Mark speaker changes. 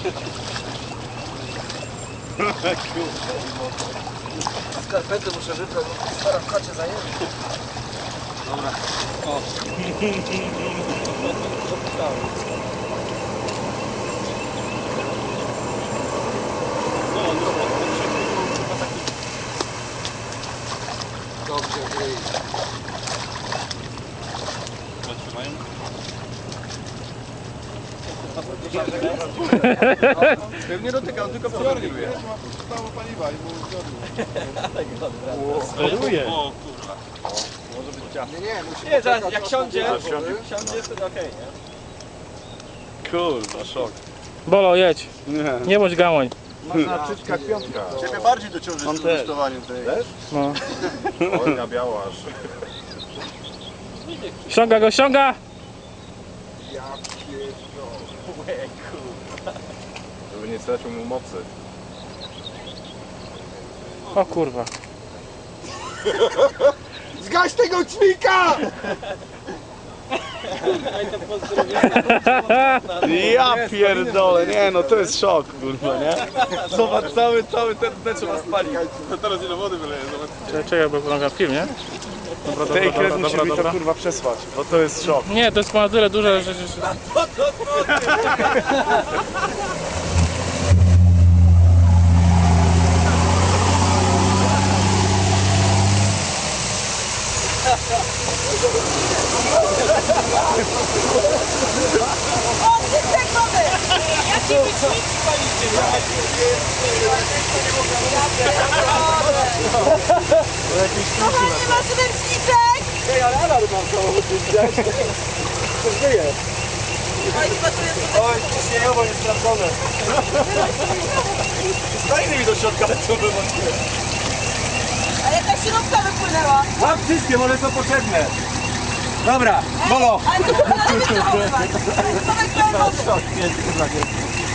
Speaker 1: Skarpety muszę wybrać, bo stara w chacie zajęła. Dobra. O. Dobrze, gryj.
Speaker 2: Pewnie dotykam, tylko przeładuję.
Speaker 3: Stało paliwa i było zgodnie.
Speaker 4: Steruje.
Speaker 2: O kurwa. Może być ciasto.
Speaker 1: Nie, musi
Speaker 5: Nie, zaraz,
Speaker 1: poczekać,
Speaker 5: jak
Speaker 1: aż
Speaker 5: siądzie,
Speaker 1: popłynie wody.
Speaker 5: siądzie wtedy okej, nie?
Speaker 2: Kurwa, szok.
Speaker 4: Bolo, jedź. Nie bądź gamoń.
Speaker 3: Można czyczka piątka.
Speaker 2: Ciebie bardziej dociąży z testowaniem tej.
Speaker 4: No.
Speaker 3: Oj, na biało aż.
Speaker 4: Ściąga go, ściąga!
Speaker 1: Ja pierdolę.
Speaker 3: Żeby nie stracił mu mocy.
Speaker 4: O kurwa.
Speaker 1: Zgaś tego ćwika!
Speaker 2: Ja pierdolę, nie no to jest szok, kurwa, nie? Zobacz, cały ten trzeba spalić. No teraz ile wody wyleje, zobacz.
Speaker 4: Czekaj, bo wygląda film, nie? Dobra,
Speaker 2: Tej
Speaker 4: dobra,
Speaker 2: kres
Speaker 4: dobra,
Speaker 2: musi
Speaker 4: dobra,
Speaker 2: mi to
Speaker 4: dobra.
Speaker 2: kurwa przesłać, bo to jest szok.
Speaker 4: Nie, to jest ma tyle duże, że...
Speaker 6: Kochani, masz ręczniczek!
Speaker 5: Ej, ale alarm mam samochód, widziałeś? To żyje.
Speaker 6: Oj, chyba tu jest...
Speaker 5: Oj, ciśnieniowo niesprawdzone. Stajny mi do środka lecą wyłącznie.
Speaker 6: A jakaś śrubka wypłynęła.
Speaker 5: Łap wszystkie, one są potrzebne. Dobra, Bolo.
Speaker 6: Ale to chyba na wykrywanie. Tomek, daj wodę.